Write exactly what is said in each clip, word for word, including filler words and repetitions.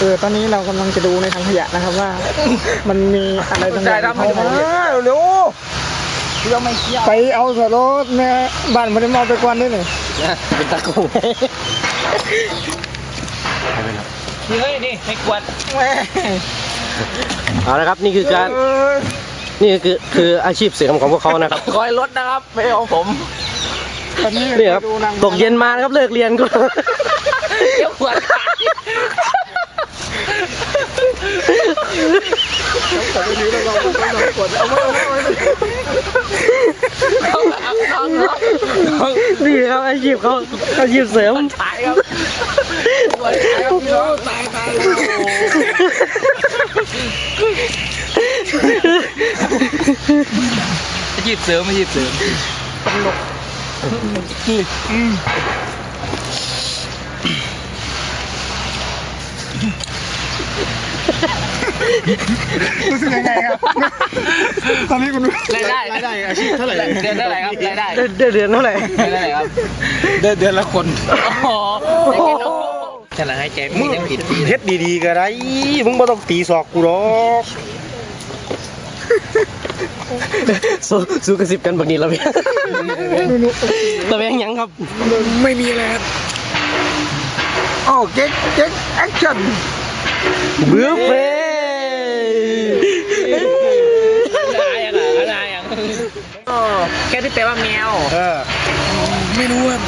อตอนนี้เรากำลังจะดูในถังขยะนะครับว่ามันมีอะไรบางอย่างเข้ามาเร็วเราไม่เชี่ยวไปเอาสโลดแม่บ้านมันได้มาไปกวนได้เลยเป็นตะกุ่งเฮ้ยนี่ไม่กวดเอาละครับนี่คือการนี่คือคืออาชีพเสริมของพวกเขานะครับคอยรถนะครับไม่เอาผมนี่ครับตกเย็นมานะครับเลิกเรียนก็เกี่ยวหัวขาดนี่ครับอาชีพเขาอาชีพเสริมตายครับตายตายอาชีพเสริมอาชีพเสริมตลกรู้สึกยังไงครับตอนนี้คุณรายได้รายได้อาชีพเท่าไหร่เดือนเท่าไหร่ครับรายได้เดือนเดือนเท่าไหร่เดือนเท่าไหร่ครับเดือนเดือนละคนอ๋อฉลาดให้ใจมีทั้งผิดเฮ็ดดีๆก็ได้มึงไม่ต้องตีศอกกูหรอกสู้สู้กระซิบกันแบบนี้แล้วเพี้ยแต่เพี้ยยังครับไม่มีอะไรครับโอ้เก๊กเก๊กแอคชั่นเบื้อเฟ้อะไรอ่ะอะไรอ่ะแค่ที่แปลว่าแมวเออไม่รู้อ่ะ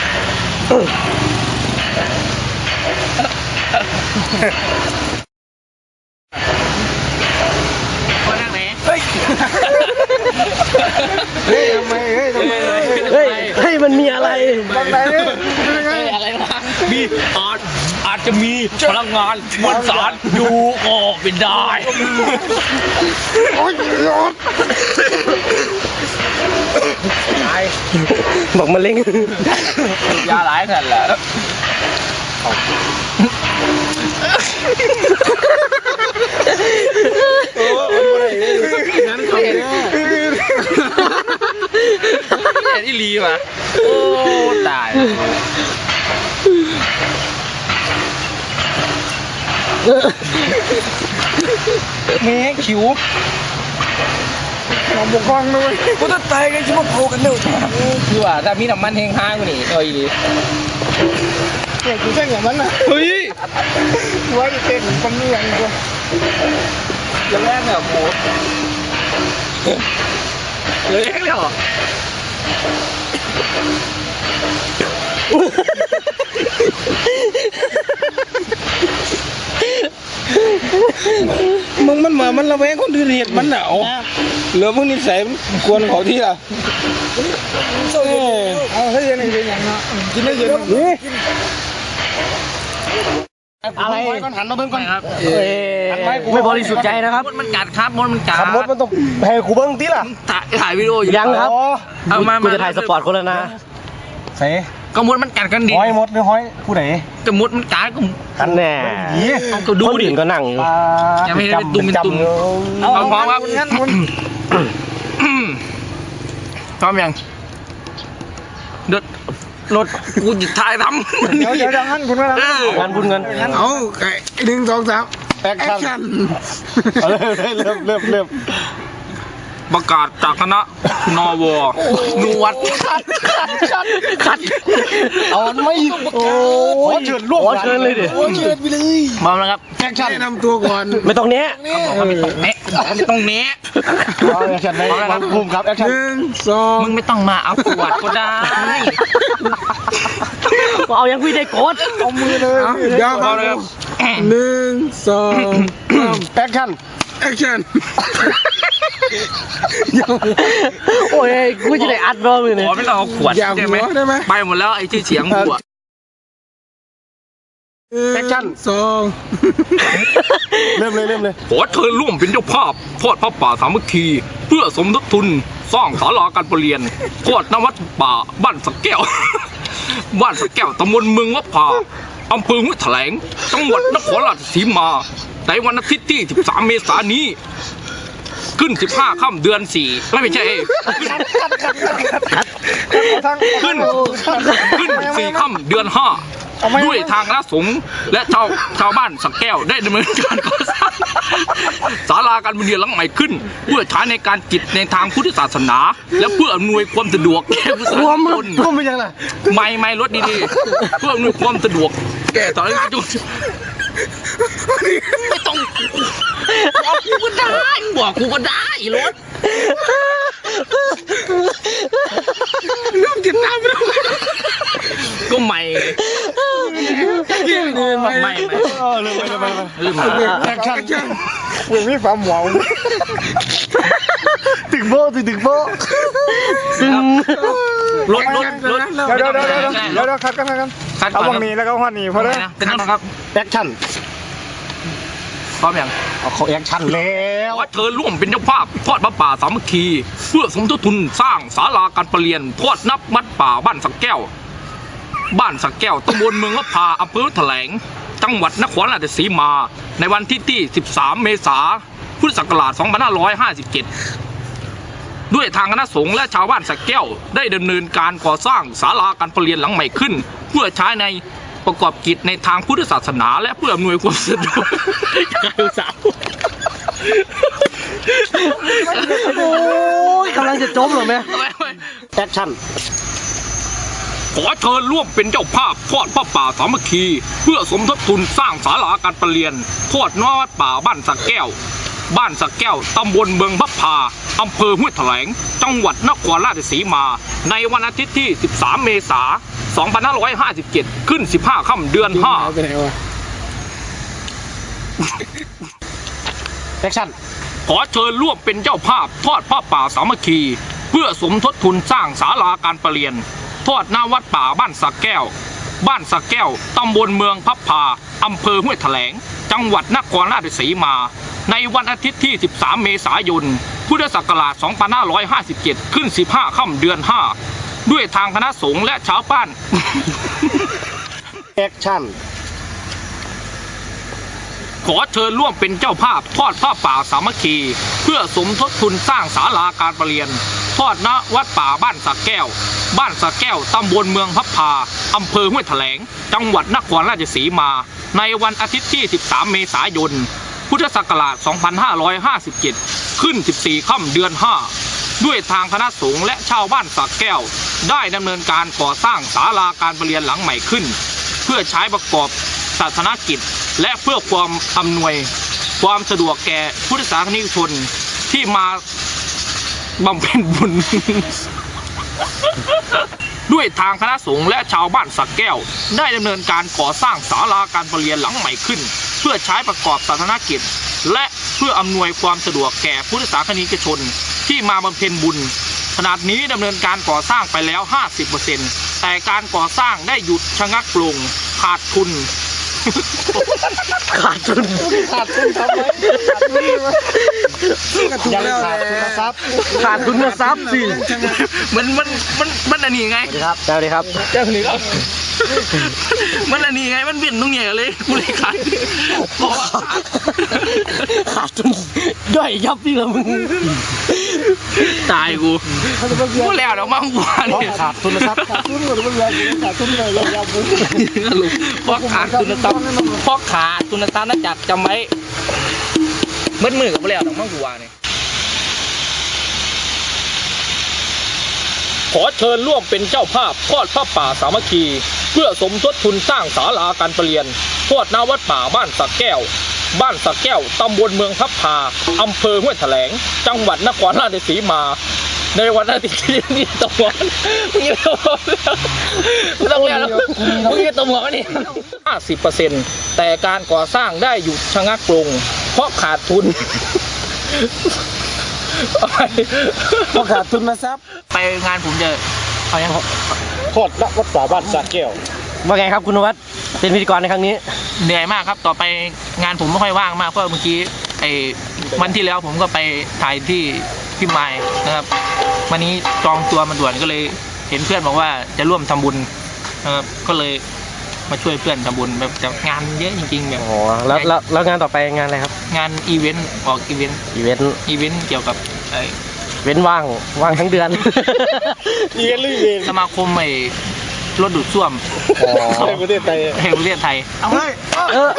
คนนั่งไหนเฮ้ยทำไมเฮ้ยทำไมเฮ้ยเฮ้ยมันมีอะไรทำไมเนี่ยอะไรวะมีอาจอาจจะมีพลังงานมวลสารอยู่ก็เป็นได้โอ้ยรถบอกมาเล่งยาหลายขนาดแล้วโอ้ยนั้นเขาเนี่ยที่รีว่ะโอ้ตายแม่ขิวหนองบกคลองด้วยกูจะตายกันชิบะโผล่กันเร็วคือว่าถ้ามีน้ำมันแห้งห้างกว่านี้เอ้ยดิเด็กกูแค่อย่างนั้นนะเฮ้ยไว้เต้นคนนี้อย่างกูอย่างแรกเนี่ยโหเลยแรกเลยเหรอมึงมันมามันระแวงคนอื่นเหตุมันหนาวเหลือมึงนิสัยมันกวนเขาที่ละเอาให้ยังไงเป็นอย่างนั้นกินได้เยอะอะไรก่อนหันมาเบิ่งก่อนครับไม่บริสุทธิ์ใจนะครับมดมันกัดครับมดมันกัดมดมันต้องให้กูเบิ้งทีล่ะถ่ายวิดีโออยู่ยังครับเอามากูจะถ่ายสปอร์ตคนละนะเซ่ก็มดมันกัดกันดิห้อยมดหรือห้อยผู้ไหนก็มดมันกัดก็กันแน่ก็ดูดิก็นั่งอยู่ยังไม่ได้ตุ่มเป็นตุ่มเอาพร้อมครับงั้นคุณพร้อมยังเด็ดรถกูหยิบท้ายทำเดี๋ยวเดี๋ยวงั้นคุณว่างั้นคุณเงินเอาไก่หนึ่งสองสามแอคชั่นเริ่มเริ่มเริ่มประกาศจากคณะนวนวดคัดคัดคัดเอาไม่โอ้ขอเชิญร่วมขอเชิญเลยดิขอเชิญไปเลยมาแล้วครับแอคชั่นแนะนำตัวก่อนไม่ต้องเนี้ยไม่ต้องเนี้ยไม่ต้องเนี้ยแอคชั่นไหมภูมิครับแอคชั่นหนึ่งสองมึงไม่ต้องมาเอาขวดก็ได้เอายังพี่ได้กดเอามือเลยเดี๋ยวเอาเลยหนึ่งสองสามแอคชั่นแอคชั่นโอ้ยกูจะได้อัดรอบเลยเนี่ยไม่ต้องเอาขวดใช่ไหมไปหมดแล้วไอ้ที่เสียงขวดแอคชั่นสองเริ่มเลยเริ่มเลยขอเชิญร่วมเป็นเจ้าภาพทอดพระป่าสามัคคีเพื่อสมทบทุนสร้างศาลาการประเรียนทอดนวัดป่าบ้านสักแก้วบ้านสักแก้วตำบลเมืองวัดผาอำเภอห้วยแถลงจังหวัดนครราชสีมาในวันอาทิตย์ที่สิบสามเมษายนนี้ขึ้นสิบห้าค่ำเดือนสี่ไม่ใช่ขึ้นขึ้นสี่ค่ำเดือนห้าด้วยทางคณะสงฆ์และชาวชาวบ้านสักแก้วได้ดำเนินการก่อสร้างศาลาการประเรียนหลังใหม่ขึ้น เพื่อใช้ในการกิจในทางพุทธศาสนา และเพื่ออำนวยความสะดวกแก่ผู้สาควาธุมชนก็ไม่ยังไงไม่ไม่รถดีๆเพื่ออำนวยความสะดวกแก่สาธารณชนไม่ต้องบอกกูก็ได้บอกกูก็ได้รถเริ่มติดตามแล้วก็ใหม่ไม่ไม่เออเลยไปเลยไปเลยลืมมาแอคชั่นมึงมีความหวังตึกโบตึกตึกโบตึงรถรถรถเดี๋ยวเดี๋ยวเดี๋ยวเดี๋ยวเดี๋ยวเดี๋ยวคัดกันคัดกันคัดก่เอาอนวงนี้แล้วก็หัวนี้พอเลยเป็นนั่นนะครับแอคชั่นพร้อมยังเอาเขาแอคชั่นแล้วขอเชิญร่วมเป็นเจ้าภาพทอดพระป่าสามัคคี เพื่อสมทบทุนสร้างศาลาการประเรียนทอดนับวัดป่าบ้านสักแก้ว บ้านสักแก้วตำบลเมืองละพาอำเภอแถลง จังหวัดนครราชสีมา ในวันที่ที่ สิบสาม เมษายน พุทธศักราช สองพันห้าร้อยห้าสิบเจ็ด ด้วยทางคณะสงฆ์และชาวบ้านสักแก้วได้ดำเนินการก่อสร้างศาลาการประเรียนหลังใหม่ขึ้น เพื่อใช้ในประกอบกิจในทางพุทธศาสนา และเพื่ออำนวยความสะดวกการสาวโอ้ยกำลังจะจบเหรอแม่แอคชั่นขอเชิญร่วมเป็นเจ้าภาพทอดพระป่าสามัคคี เพื่อสมทบทุนสร้างศาลาการประเรียนทอดนวัดป่าบ้านสักแก้ว บ้านสักแก้วตำบลเมืองพระพาอำเภอห้วยแถลง จังหวัดนครราชสีมา ในวันอาทิตย์ที่ สิบสาม เมษายน สองพันห้าร้อยห้าสิบเจ็ด ขึ้น สิบห้า ค่ำเดือนห้าไปไหนวะแอคชั่นขอเชิญร่วมเป็นเจ้าภาพทอดผ้าป่าสามัคคี เพื่อสมทบทุนสร้างศาลาการประเรียนทอดหน้าวัดป่าบ้านสักแก้ว บ้านสักแก้วตำบลเมืองพับพาอำเภอห้วยแถลง จังหวัดนครราชสีมา ในวันอาทิตย์ที่ สิบสาม เมษายน พุทธศักราช สองพันห้าร้อยห้าสิบเจ็ด ขึ้น สิบห้า ค่ำเดือนห้า ด้วยทางคณะสงฆ์และชาวบ้านแอคชั่นขอเชิญร่วมเป็นเจ้าภาพทอดผ้าป่าสามัคคี เพื่อสมทบทุนสร้างศาลาการประเรียนทอดณวัดป่าบ้านสักแก้ว บ้านสักแก้วตำบลเมืองพับพาอำเภอห้วยแถลง จังหวัดนครราชสีมา ในวันอาทิตย์ที่ สิบสาม เมษายน พุทธศักราช สองพันห้าร้อยห้าสิบเจ็ด ขึ้น สิบสี่ ค่ำเดือนห้า ด้วยทางคณะสงฆ์และชาวบ้านสักแก้ว ได้ดำเนินการก่อสร้างศาลาการประเรียนหลังใหม่ขึ้น เพื่อใช้ประกอบศาสนกิจ และเพื่อความอำนวยความสะดวกแก่พุทธศาสนิกชนที่มาบำเพ็ญบุญ ด้วยทางคณะสงฆ์และชาวบ้านสักแก้ว ได้ดำเนินการก่อสร้างศาลาการประเรียนหลังใหม่ขึ้น เพื่อใช้ประกอบศาสนกิจ และเพื่ออำนวยความสะดวกแก่พุทธศาสนิกชนที่มาบำเพ็ญบุญ ขณะนี้ดำเนินการก่อสร้างไปแล้ว ห้าสิบเปอร์เซ็นต์ แต่การก่อสร้างได้หยุดชะงักลงขาดทุนขาดทุนขาดทุนทำไมขาดทุนวะก็ถูกยังแล้วขาดแหทุนละทรัพย์ขาดทุนทรัพย์สิมันมันมันมันอันนี้ไงสวัสดีครับสวัสดีครับเจ้าหนี้ครับ มันอันนี้ไงมันเปลี่ยนตรงเนี้ยเลยกูเลยขาดเพราะว่าขาดขาดทุนย่อยยับพี่ละมึงตายกูกูแล้วเดี๋ยวมาหัวเพราะเนี่ยขาดทุนทรัพย์ขาดทุนหมดเลยขาดทุนเลยยาวๆเลยเพราะขาดทุนทรัพย์เพราะขาดทุนทรัพย์นั่นจัดจำไว้เมื่อมือกับแล้วเดี๋ยวมาหัวเนี่ย ขอเชิญร่วมเป็นเจ้าภาพทอดผ้าป่าสามัคคี เพื่อสมทบทุนสร้างศาลาการประเรียนทอดหน้าวัดป่าบ้านสักแก้ว บ้านสักแก้วตำบลเมืองพับพาอำเภอห้วยแถลง จังหวัดนครราชสีมา ในวันอาทิตย์ที่นี่ตะวันมึงยังตะวันมึงต้องแล้วมึงยังตะวันนี่ห้าสิบเปอร์เซ็นต์แต่การก่อสร้างได้หยุดชะงักลงเพราะขาดทุนเพราะขาดทุนทรัพย์ไปงานผมจะเอายังโทษณวัดป่าบ้านสักแก้วว่าไงครับคุณนวัดเป็นพิธีกรในครั้งนี้เหนื่อยมากครับต่อไปงานผมไม่ค่อยว่างมากเพราะเมื่อกี้ไอ้วันที่แล้วผมก็ไปถ่ายที่พิมายนะครับวันนี้จองตัวมาด่วนก็เลยเห็นเพื่อนบอกว่าจะร่วมทำบุญนะครับก็เลยมาช่วยเพื่อนทำบุญแบบแต่งานเยอะจริงๆแบบอ๋อแล้วแล้วแล้วงานต่อไปงานอะไรครับงานอีเวนต์ออกอีเวนต์อีเวนต์อีเวนต์เกี่ยวกับไอ้เว้นว่างว่างทั้งเดือน อีเวนต์หรืออีเวนต์สมาคมไอ้รถดูดซ่วมในประเทศไทยแห่งประเทศไทยเอาเลยเออ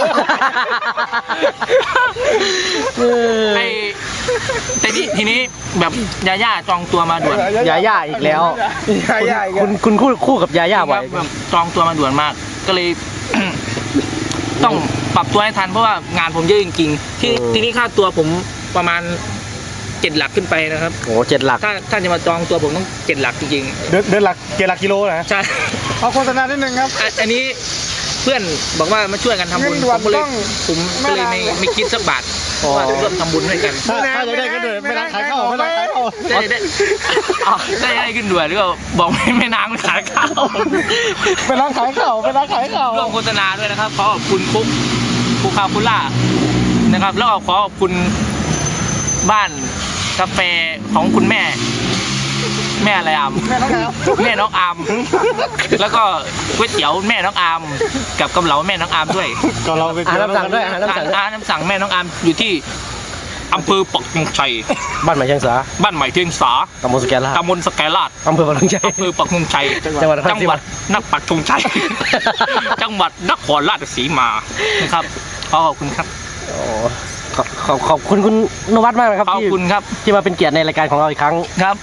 เออไอ้แต่นี่ทีนี้แบบยาย่าจองตัวมาด่วนยาย่าอีกแล้วยาย่าอีกคุณคุณคู่คู่กับยาย่าบ่อยแบบจองตัวมาด่วนมาก ก็เลย ต้องปรับตัวให้ทันเพราะว่างานผมเยอะจริงๆที่ทีนี้ค่าตัวผมประมาณเจ็ดหลักขึ้นไปนะครับโอ้เจ็ดหลักถ้าถ้าจะมาจองตัวผมต้องเจ็ดหลักจริงเดินเดินหลักเจ็ดหลักกิโลนะๆใช่เอาโฆษณานิดนึงครับอ่ะอันนี้เพื่อนบอกว่ามาช่วยกันทำบุญเงินด่วนผมก็เลยต้องผมก็เลยไม่ไม่คิดสักบาทว่าร่วมทำบุญด้วยกันถ้าถ้าจะได้ก็เดินไม่ร้านขายข้าวไม่ร้านขายข้าวได้ได้ได้ได้ขึ้นด่วนหรือก็บอกไม่ไม่นางไม่ขายข้าวไปร้านขายข้าวไปร้านขายข้าวร่วมโฆษณาด้วยนะครับขอขอบคุณคุกคุกคาคุล่านะครับแล้วก็ขอขอบคุณบ้านกาแฟของคุณแม่ แม่อะไรอามแม่น้องแอมแม่น้องอามแล้วก็ก๋วยเตี๋ยวแม่น้องอามกับกำเหลาแม่น้องอามด้วยก็เราไปอาหารน้ำสั่งด้วยอาหารน้ำสั่งอาหารน้ำสั่งแม่น้องอามอยู่ที่อำเภอปักธงชัยบ้านใหม่เชียงสาบ้านใหม่เทียงสาตำบลสแกนลาดตำบลสแกลาดอำเภอปากธงชัยอำเภอปักธงชัยจังหวัดนครจังหวัดนครปักธงชัย จังหวัดนครราชสีมานะครับขอขอบคุณครับโอ้ขอบขอบขอบคุณคุณนวัดมากนะครับขอบที่คุณครับที่มาเป็นเกียรติในรายการของเราอีกครั้งครับ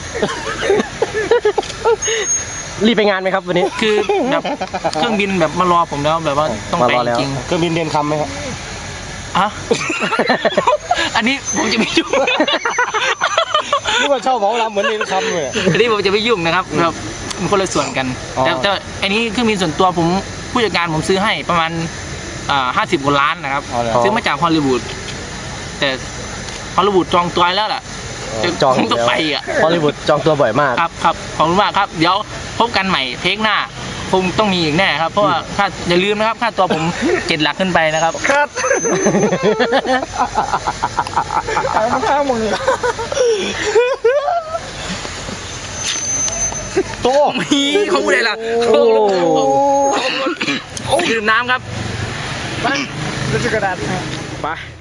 รีบไปงานไหมครับวันนี้คือแบบเครื่องบินแบบมารอผมแล้วแบบว่าต้องมาไปรอแล้วจริงเครื่องบินเดินคำไหมครับๆอะ อันนี้ผมจะไม่ยุ่งนี่ว่าชอบหมอลำเหมือนเดินคำเลยอันนี้ผมจะไม่ยุ่งนะครับแบบมันคนละส่วนกันอ๋อแต่แต่อันนี้เครื่องบินส่วนตัวผมผู้จัดการผมซื้อให้ประมาณอ่าห้าสิบกว่าล้านนะครับ ซื้อมาจากฮอลลีวูดแต่ฮอลลีวูดจองตัวแล้วล่ะจองผมต้องไปอ่ะฮอลลีวูดจองตัวบ่อยมากครับครับขอบคุณมากครับ เดี๋ยวพบกันใหม่เทคหน้าคงต้องมีอีกแน่ครับ เพราะว่าค่าอย่าลืมนะครับค่าตัวผมเจ็ดหลักขึ้นไปนะครับครับขายมาข้างมึงเลยโตมีเขาพูดอะไรล่ะโอ้โอ้ดื่มน้ำครับไปแล้วจะกระดาษไป